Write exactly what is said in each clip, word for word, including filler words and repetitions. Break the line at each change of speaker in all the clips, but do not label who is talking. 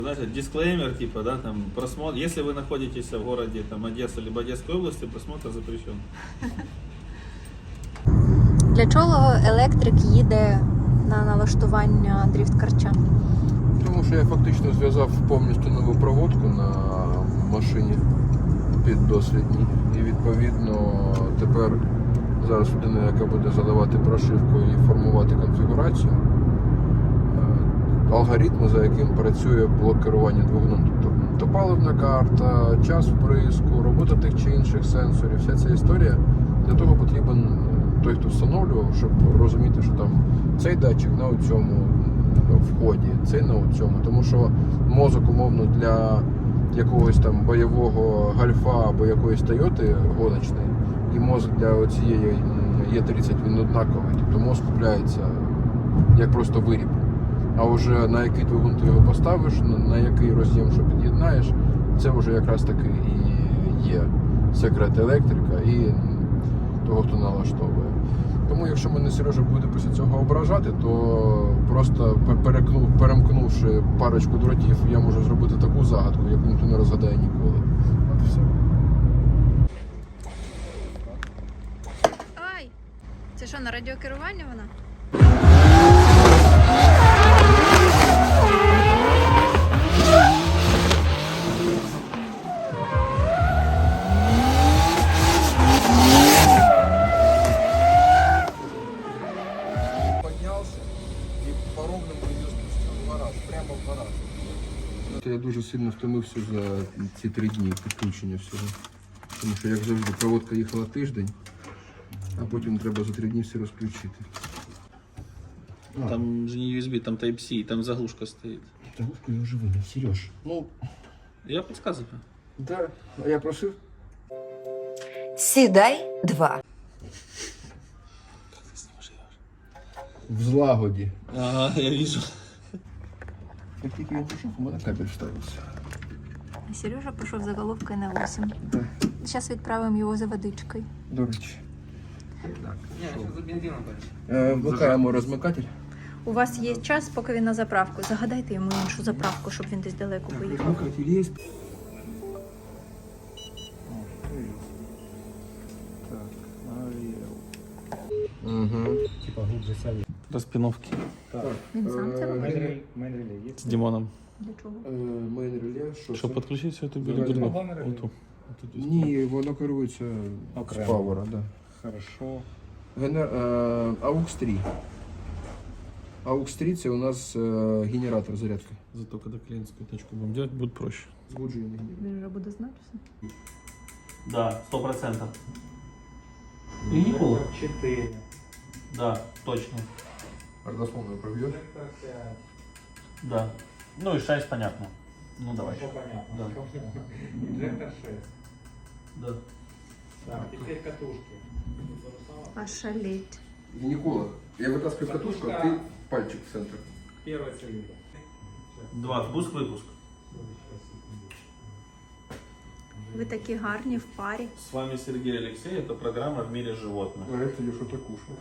Знаете, дисклеймер, типа, да, там, просмотр, если вы находитесь в городе, там, Одесса, либо Одесской области, просмотр запрещен.
Для чого електрик їде на налаштування дріфт-карча?
Тому що я фактично зв'язав повністю нову проводку на машині під дослідні. І відповідно тепер зараз людина, яка буде заливати прошивку і формувати конфігурацію, алгоритми, за яким працює блок керування двигуном. Тобто топаливна карта, час вприску, робота тих чи інших сенсорів, вся ця історія. Для того потрібен той, хто встановлював, щоб розуміти, що там цей датчик на цьому вході, цей на цьому. Тому що мозок, умовно, для якогось там бойового гольфа або якоїсь Тойоти гоночної, і мозок для цієї Е тридцять, він однаковий. Тобто мозок купляється як просто виріб. А вже на який двигун ти його поставиш, на який роз'єм, що під'єднаєш, це вже якраз таки і є секрет електрика і того, хто налаштовує. Тому якщо мене Сережа буде після цього ображати, то просто перекнув, перемкнувши парочку дротів, я можу зробити таку загадку, яку ніхто не розгадає ніколи. От і все.
Ай! Це що, на радіокеруванні вона?
Я дуже сильно втомився за ці три дні підключення всього. Тому що, як завжди, проводка їхала тиждень, а потім треба за три дні все розключити.
А. Там же не ю ес би, там Type-C, там заглушка стоит.
Заглушку я вже виняв, Сереж. Ну,
я подсказываю.
Да, а я просив.
Сідай два.
Как ты с ним живешь?
В злагоді.
Ага, я вижу.
Як тільки він пішов, у мене кабель вставився.
Сережа пішов за головкою на вісім.
Да.
Зараз відправимо його за водичкою.
До речі.
Так, я за бензином дальше.
Е, Вмикаємо розмикатель.
У вас є час, поки він на заправку. Загадайте йому іншу заправку, щоб він десь далеко поїхав.
Розмикатель є. Угу.
Типа глубже сяде.
Распиновки
Він сам це робить?
Мейн-реле есть?
с Димоном.
Для чого?
Мейн реле, що
Чтобы
це?
подключить всю эту
Давай,
билиберду.
давай.
Вот ту. Вот тут.
Ні, воно керується з
Окремо.
павера, да.
Хорошо.
Генер... е, Aux три. Aux три це у нас е, генератор зарядки.
Зато когда клиентскую точку будем делать, будет проще.
Збуджений генератор.
Він вже буде знати все.
Да, сто процентов.
четыре.
Да, точно.
Родословную пробьешь?
Да. Ну и шесть, понятно. Ну давай.
Все понятно.
Да.
Инжектор шесть.
Да.
Так, теперь катушки.
Ошалеть.
Никола, я вытаскиваю катушку, а ты пальчик в центр.
Первый цилиндр.
Два, впуск-выпуск.
Ви такі гарні в парі.
С вами Сергей Алексей, это программа «В мире животных».
А это я что-то кушал.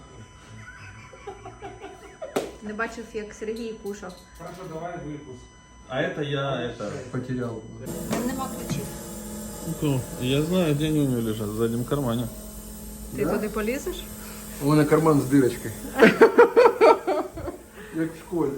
Не бачив, як Сергій кушав.
Хорошо, давай выпуск.
А это я, это...
Потерял.
Там нема ключів.
Ну, я знаю, где они у него лежат, в заднем кармане.
Ти туди полізеш?
У меня карман с дырочкой. Как в школе.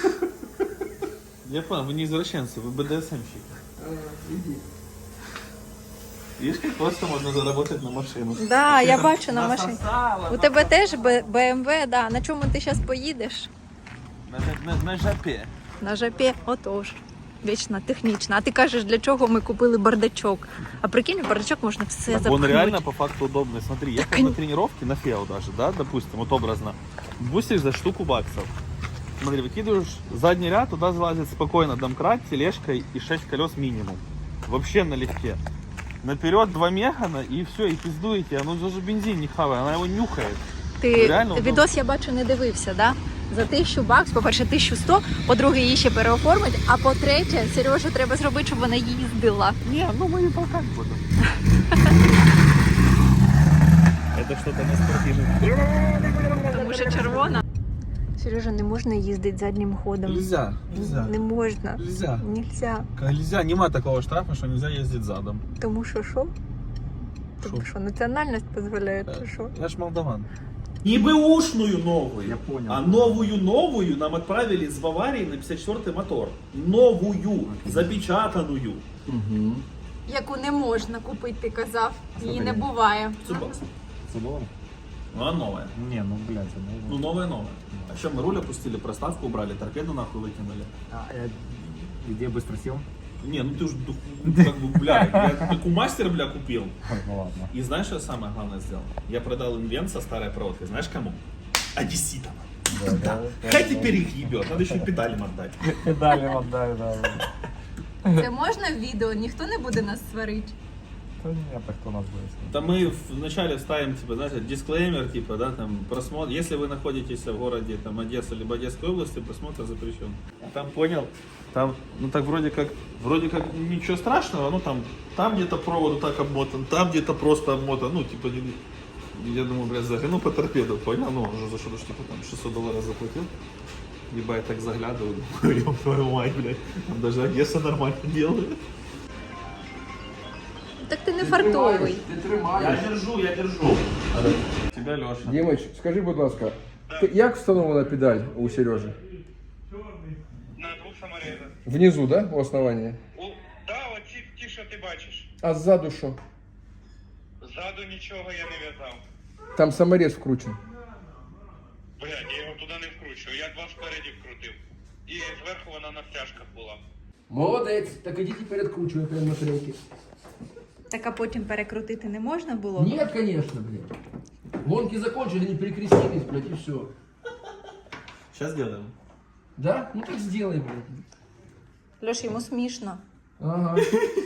Я понял, вы не извращенцы, вы бэ дэ эс эмщики.
Иди.
Видишь, как просто можно заработать на машину.
Да, я бачу на машині.
Насосала,
У тебе теж бэ ем ве, да. На чому ти зараз поїдеш?
На, на, на жопе.
На жапі, отож. Вічно технічно. А ти кажеш, для чого ми купили бардачок? А прикинь, в бардачок можна все
Так
запхнути.
он реально по факту удобный. Смотри, ехал на тренировке, на фео даже, да, допустим, вот образно. Бусишь за штуку баксов. Смотри, выкидываешь задний ряд, туда залазит спокойно домкрат, тележка и шесть колес минимум. Вообще налегке. Наперед два мегана и все, и пиздуете. Оно даже бензин не хавает, она его нюхает.
Ти
Реально удобно.
відос, я бачу, не дивився, да? За тисячу бакс, по-перше, тисячу сто, по-друге, її ще переоформить, а по-третє, Сережу треба зробити, щоб вона їздила.
Не, ну мы не толкать будем. Это что-то не спортивное.
Тому що червона. Сережа, не можна їздити заднім ходом.
Нельзя, нельзя.
Не можна.
Нельзя.
Нельзя.
Нельзя, нема такого штрафа, що нельзя їздити задом.
Тому що що? Тому
Шо?
що національність дозволяє, чи що?
Я ж молдаван. Не бэушную новую,
Я понял.
а новую-новую нам отправили с Баварии на пятьдесят четвёртый мотор. Новую, запечатанную.
Угу.
Яку не можна купити, ти казав. Її не буває.
Цубас.
Забула?
Ну, а новая.
Не, ну блядь,
Ну, новая-новая. А что, мы руль опустили, проставку убрали, торпеду нахуй выкинули?
А, где быстро сел?
Не, ну ты же, как бы, бля, я как у мастера, бля, купил.
Ну ладно.
И знаешь, что я самое главное сделал? Я продал инвент со старой проводкой. Знаешь кому? Одесситам. Да. Хай теперь их ебет, надо еще и педалям отдать.
Педали отдай, да.
Це можна в відео? Ніхто не буде нас сварити.
Да нет, так кто нас будет?
Да мы вначале ставим, типа, знаете, дисклеймер, типа, да, там, просмотр, если вы находитесь в городе, там, Одесса, либо Одесской области, просмотр запрещен. Там, понял, там, ну, так вроде как, вроде как ничего страшного, ну, там, там где-то провод вот так обмотан, там где-то просто обмотан, ну, типа, я думаю, блядь, загляну по торпеду, понял, ну, уже за что-то, типа, там, шестьсот долларов заплатил. Либо я так заглядываю, думаю, ёб твою мать, блядь, там даже Одесса нормально делает.
Так ти не фартовий.
Ти тримаєш.
Я держу, я держу. Тебя, Леша.
Дімич, скажи, будь ласка, ти- як встановлена педаль у Сережі?
На двох саморезах.
Внизу, да? У основанні?
У, да, оці ті, що ти бачиш.
А ззаду що?
Ззаду нічого я не в'язав.
Там саморез вкручений.
Блядь, я його туди не вкручую. Я два спереді вкрутив. І зверху вона на стяжках була.
Молодець, так ідіть і передкручуй прямо на трейки.
Так а потім перекрутити не можна було?
Нет, конечно, блядь. Гонки закончили, не перекрестились, блядь, и все.
Сейчас сделаем.
Да? Ну так сделай, блядь.
Льош, йому смішно.
Ага.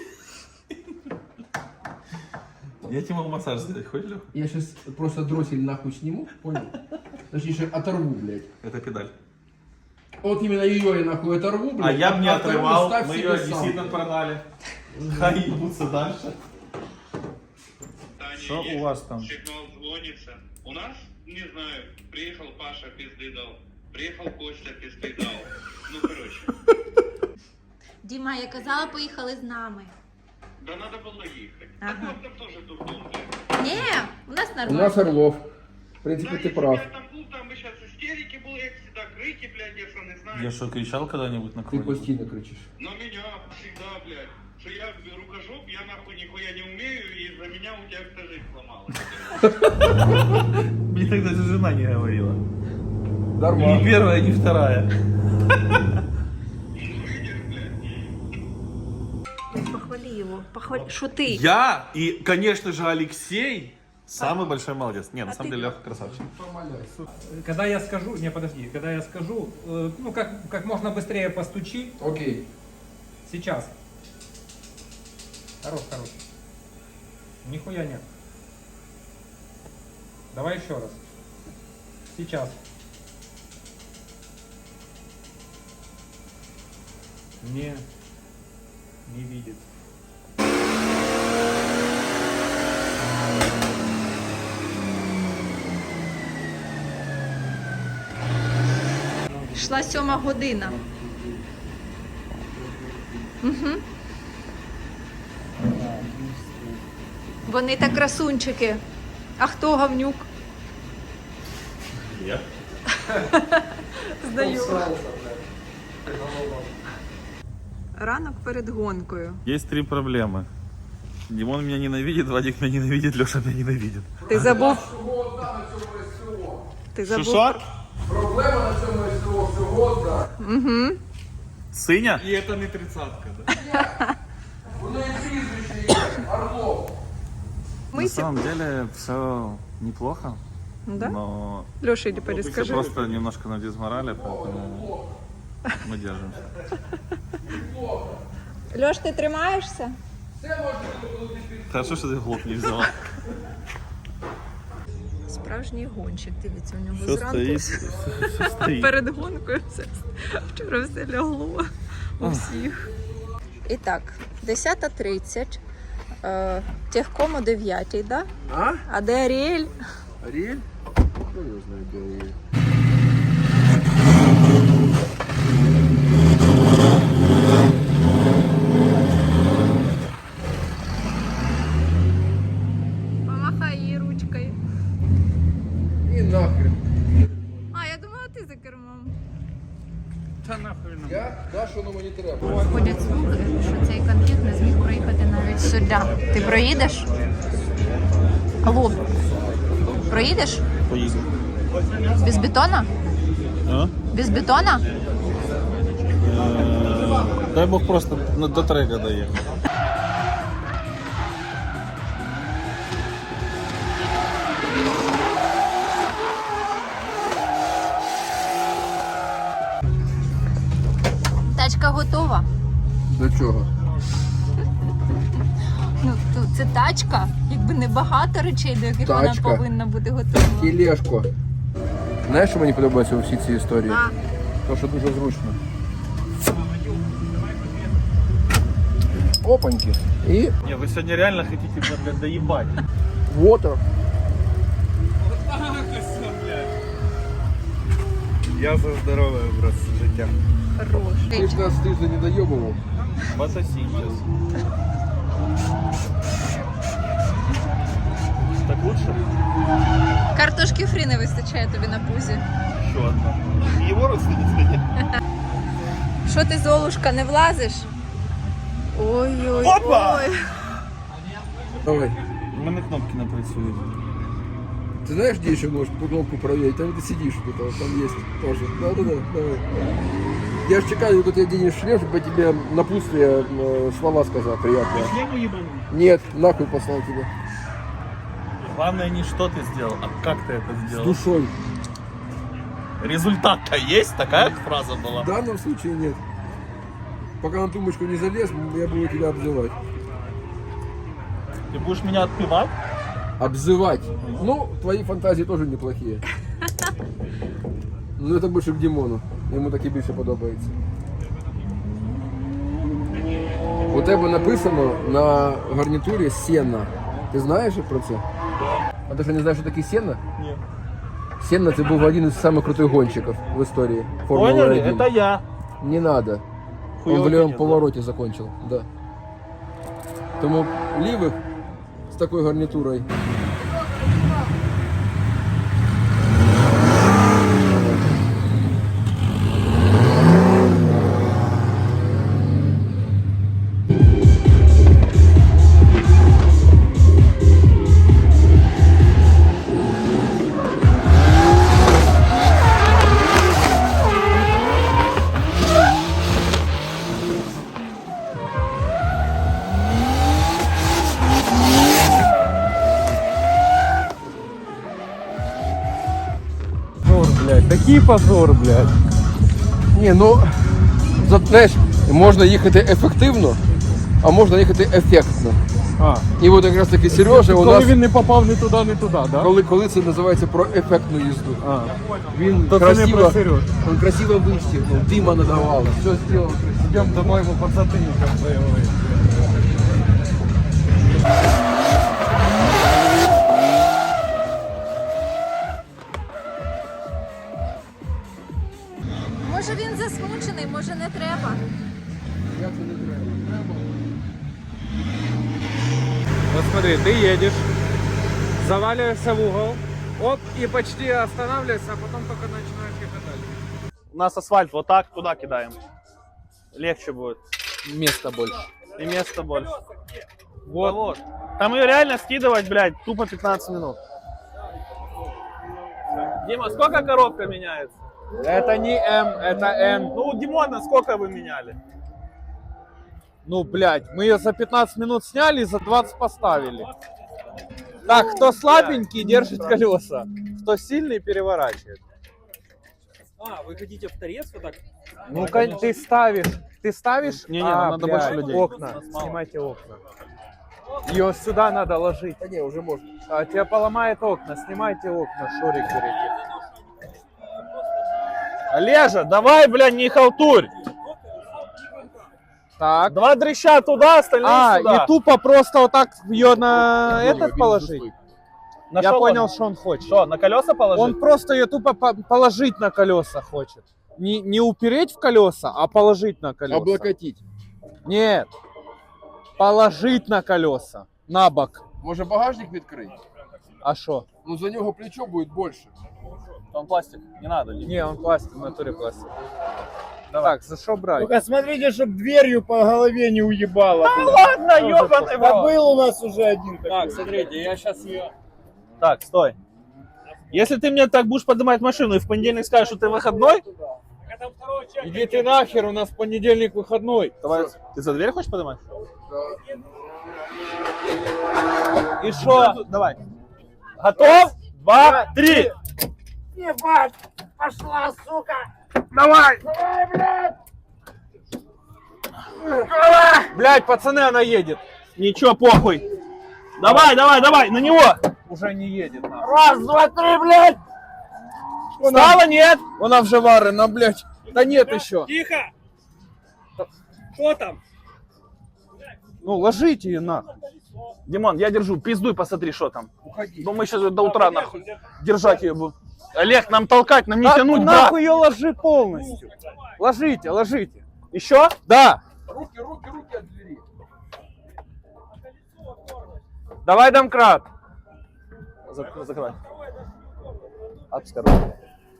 Я тебе могу массаж сделать, хочешь, Лех?
Я сейчас просто дроссель нахуй сниму, понял? Точнее, оторву, блядь.
Это педаль.
Вот именно ее я нахуй оторву, блядь.
А я бы не
оторву,
отрывал,
ставь
мы
себе
ее
сам.
одесситам продали. Хай ебутся дальше.
Таня,
Що
є
у вас там?
Сигнал дзвониться. У нас, не знаю, приїхав Паша, пизди дав. Приїхав Костя, пизди дав. Ну, коротше.
Діма, я казала, поїхали з нами.
Да надо було їхати.
Ага.
А там теж дурдом, блядь.
Ні, у нас
У
нормально.
нас Орлов. В принципе,
Да,
ты
якщо б
прав.
я там був, там би зараз істерики були, як завжди, крики, блядь, я що не знаю.
Я что, кричал когда-нибудь на
Ты
кого-нибудь?
постійно кричиш.
На меня всегда, блядь. Что я рукожоп, я нахуй нихуя не умею, и за меня у тебя вся жизнь сломалась.
Мне тогда же жена не говорила. Ни
Нормально.
первая, ни вторая.
Похвали його. Похвали. Що ти?
Я и, конечно же, Алексей самый большой молодец. Не, на самом деле, Леха красавчик.
Когда я скажу, не, подожди, когда я скажу, э, ну, как, как можно быстрее постучи,
Окей.
сейчас. Хорош, хорош. Нихуя нет. Давай еще раз. Сейчас. Не, не видит.
Йшла сьома година. Угу. Вони так красунчики. А хто говнюк?
Я?
Здаю. Ранок перед гонкою.
Есть три проблемы. Димон меня ненавидит, Вадик меня ненавидит, Леша меня ненавидит.
Ти забув?
Всього одна на цьому СТО.
Ти забув?
Шушар?
Проблема на цьому СТО всього одна.
Угу.
Сыня?
И это не тридцатка, да?
Воно і прізвище є. Орлов.
На самом деле все неплохо,
Да?
но
Леша, иди
все
перескажи.
просто немножко на дизморали, поэтому мы держимся.
Леш, ти тримаєшся?
Хорошо, что ты глуп не взяла.
Справжній гонщик, дивіться, у нього
Все
зранку
стоит,
все-
все стоит.
перед гонкою все. Вчора все лягло у всіх. І так, десята тридцять, е, техком о дев'ятій, да?
А?
А де Аріель?
Ариэль? Кто его знает, где Ариэль?
Ходять слухи, що цей конфет не зміг проїхати навіть сюди. Ти проїдеш? Алло, проїдеш?
Поїду.
Без бетона?
А?
Без бетона?
Е, Дай Бог просто на- до трека доїхати.
Тачка готова.
До чого?
Ну, то це тачка, якби не багато речей, до яких
Тачка.
вона повинна бути готова.
Тележко. Знаєш, що мені подобається у всій цій історії?
А.
То, що дуже зручно. Опаньки. І
Не, вы сегодня реально хотите, блядь, доебать.
water.
Я за здоровий образ життя.
Хорош.
Ти ж нас тиждень не доєбував.
Фотосинтез. Так лучше?
Картошки фрі не вистачає тобі на пузі.
Еще одна. Его родственница?
Що ти, Золушка, не влазиш? Ой-ой-ой.
Опа!
Давай.
У мене кнопки не працюють.
Ты знаешь, где еще можешь по кнопку проверить? Там ты сидишь, тут, а там есть тоже. Да-да-да, давай. Я ж чекаю, когда ты оденешь шлем, чтобы я тебе напутствие э, слова сказал приятные.
Шлему ебану?
Нет, нахуй послал тебя.
Главное не что ты сделал, а как ты это
С
сделал.
душой.
Результат-то есть? Такая фраза была?
В данном случае нет. Пока на тумбочку не залез, я буду тебя обзывать.
Ты будешь меня отпевать?
Обзывать. Ну, твои фантазии тоже неплохие. Ну, это больше к Димону. Йому таки більше подобається. У тебе написано на гарнітурі Сенна. Ти знаєш про це? А ти що не знаєш, що таке Сенна?
Нет.
Сенна це був один із самих крутих гонщиків в історії Формули
Поняли?
один.
Это я.
Не надо. Он
Хуёвый
в левом
конец, да?
повороте закончил, да. Тому лівих з такою гарнітурою.
Позор, блядь, такий позор, блядь.
Ні, ну, за- знаєш, можна їхати ефективно, а можна їхати ефектно.
А,
І от якраз таки Сережа у
коли
нас,
він не попав ні туди, ні туди, да?
коли, коли це називається про ефектну їзду.
А,
Він
то це не
красиво,
про Сережу.
він красиво вистігнув, дима надавав, все зробив.
Йдемо домой, йому подзатыльником заявили.
Може він засмучений, може не треба.
Як це не треба?
Вот смотри, ты едешь, заваливаешься в угол, оп, и почти останавливаешься, а потом только начинаешь ехать дальше.
У нас асфальт вот так, туда кидаем. Легче будет.
Места больше.
И места больше.
Вот.
Вот. Там ее реально скидывать, блядь, тупо пятнадцать минут. Дима, сколько коробка меняется?
Это не М, это Н.
Ну, у Димона сколько вы меняли?
Ну, блядь, мы ее за пятнадцать минут сняли и за двадцать поставили. Так, кто слабенький, держит колеса. Кто сильный, переворачивает.
А, вы хотите в торец вот так?
Ну, кон- ты ставишь, ты ставишь
Не-не,
а,
надо
блядь,
больше людей.
окна,
Нас мало.
снимайте окна. Ее сюда надо ложить.
Та ні, вже можна.
А, тебя поломает окна, снимайте окна, шурик берите.
Олежа, давай, блядь, не халтурь.
Так.
Два дрыща туда, остальные
А,
сюда.
и тупо просто вот так ее на этот
Він
положить?
застиг.
На
Я
что
понял,
он?
что он хочет.
Что, на колеса положить?
Он просто ее тупо по- положить на колеса хочет. Не, не упереть в колеса, а положить на колеса.
Облокотить.
Нет. Положить на колеса. На бок.
Може багажник відкрити?
А что?
Ну за нього плечо буде більше.
Там пластик, не надо. Дима.
Не, он пластик, в натуре пластик. Так, за что брать?
Только смотрите, чтобы дверью по голове не уебало.
Ладно, ёбаный в
Да
рот.
был у нас уже один такой.
Так, смотрите, я сейчас ее...
Так, стой. Если ты мне так будешь поднимать машину и в понедельник скажешь, что ты выходной,
Иди ты нахер, у нас в понедельник выходной.
давай. Ты за дверь хочешь поднимать?
И что?
Давай. Готов? Два, три.
Ебать! Пошла, сука!
Давай.
Блядь, пацаны, она едет.
Ничего, похуй. Давай, давай, давай, на него.
Уже не едет. нахуй.
Раз, два, три, блядь!
Стало, нет?
Она вже варена, блядь. Да нет еще.
Тихо! Что там?
Ну, ложите ее нахуй.
Димон, я держу, пиздуй, посмотри, что там. Ну мы сейчас до утра нахуй держать ее будем. Олег, нам толкать, нам не
Да,
тянуть, брат.
нахуй ее ложи полностью. Ложите, ложите.
Еще?
Да.
Руки, руки, руки от двери.
Давай домкрат.
Зак- Закрывай. Отпускай руки.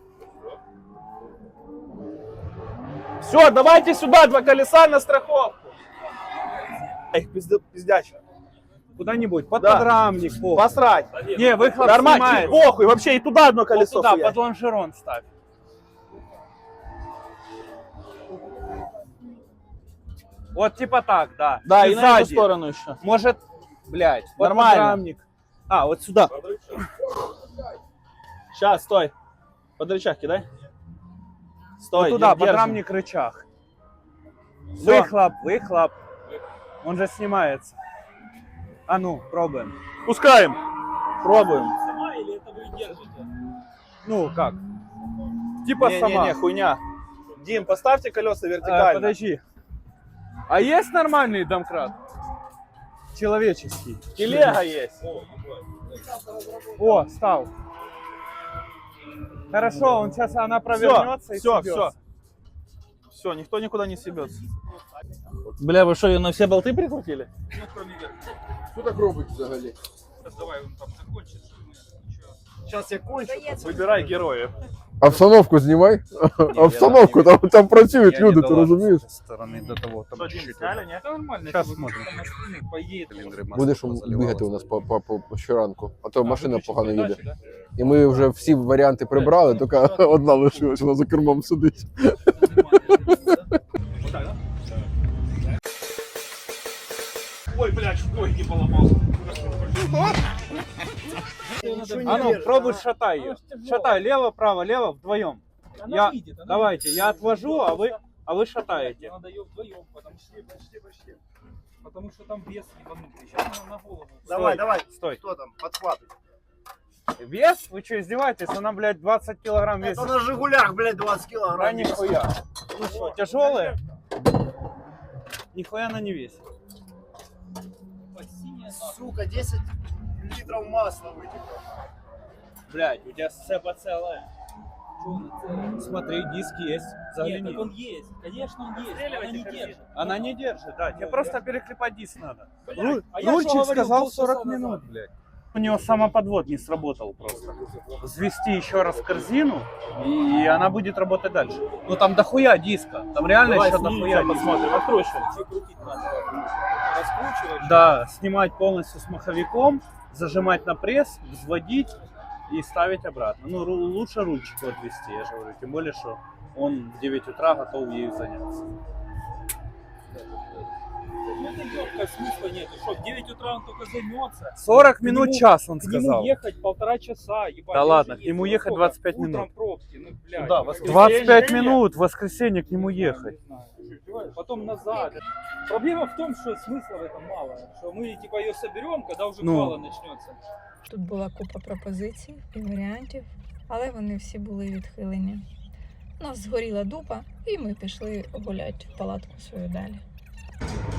Все, давайте сюда, два колеса на страховку. Эх, пизда- пиздяча.
Куда-нибудь, под
Да.
подрамник. похуй.
Посрать.
Не, выхлоп
Нормально,
снимается.
похуй, вообще и туда одно
Вот
колесо
туда,
хуярь.
под лонжерон ставь. Вот типа так, да.
Да, и, на эту
сзади.
сторону еще.
Может, блядь, под
Нормально.
подрамник. А, вот сюда.
Сейчас, стой. Под рычаг кидай. Стой,
Вот туда,
держим.
подрамник, рычаг.
Всё.
Выхлоп, выхлоп. Он же снимается. А ну, пробуем.
Пускаем. Пробуем.
Сама или это вы держите?
Ну, как? Типа сама.
Не-не-не, хуйня. Дим, поставьте колеса
А,
вертикально.
подожди. А есть нормальный домкрат? Человеческий.
Телега есть.
О, стал. Хорошо, он сейчас, она провернется и
все,
съебется.
все. Все, никто никуда не съебется. Бля, вы что, ее на все болты прикрутили?
Що так робить взагалі?
Давай, он там закончит.
Сейчас я кончу.
Выбирай героев.
Обстановку знімай. Обстановку, там, там працюють люди, ти розумієш?
Стороны до того,
Что, Дим, сняли, нет?
Это нормально.
Сейчас
это вот
смотрим.
там остальные поедет.
Будеш бігати у нас по, по, по, по щоранку, а то машина
Выключить
погано їде.
передачи, да?
І ми вже всі варіанти прибрали, тільки одна лишилась, вона за кермом сидить.
Вот так, да? Ой, блядь, ой, не поломал.
А ну, пробуй шатай ее. Шатай, лево, право, лево, вдвоем.
Она
Я-
видит, она
Давайте,
видит.
я отвожу, а вы, а вы шатаете.
Надо ее вдвоем, потому что почти, почти. Потому что там вес ебанутый. Сейчас она на голову.
Давай, давай.
Стой.
Кто там? Подхватывай.
Вес? Вы что, издеваетесь? Она, блядь, двадцать килограмм весит.
Это на Жигулях, блядь, двадцать
Да
килограмм.
нихуя. Ну что, тяжелая? Нихуя она не весит.
Сука, десять литров масла вытекло.
Блядь, у тебя цепа целая. Смотри, диск есть.
Нет,
Загляни.
так он есть. Конечно, он есть. но Она не держит.
Она не держит, да. Тебе просто переклепать диск надо.
Блядь,
Руль-
а я
Рульчик
что говорил
сказал
полчаса
сорок
назад?
минут, блядь. У него самоподвод не сработал просто. Взвести еще раз корзину, и она будет работать дальше. Ну там дохуя диска. Там реально
Давай
еще
снимем,
дохуя диска.
посмотрим, откручивай.
Что крутить надо? Раскручивать?
Да, снимать полностью с маховиком, зажимать на пресс, взводить и ставить обратно. Ну, ру- лучше рульчик отвести, я же говорю. Тем более, что он в девять утра готов ею заняться.
Ну это легко, смысла нет. Что, в девять утра он только займется.
сорок
К
минут,
нему-
час, он
К нему
сказал.
ехать полтора часа, ебать.
Да
я
ладно,
уже
к нему
ездил.
ехать
Сколько?
двадцать пять
Утром
минут.
пробки, ну, блядь.
Да,
ну,
воскресенье.
двадцать пять
Нет.
минут, в воскресенье к нему
не
ехать.
знаю. Потом назад. Проблема в том, что смысла в этом мало. Что мы типа ее соберем, когда уже
Ну.
квала начнется.
Тут була купа пропозицій і варіантів, але вони всі були відхилені. У нас згоріла дупа, і ми пішли гуляти в палатку свою далі.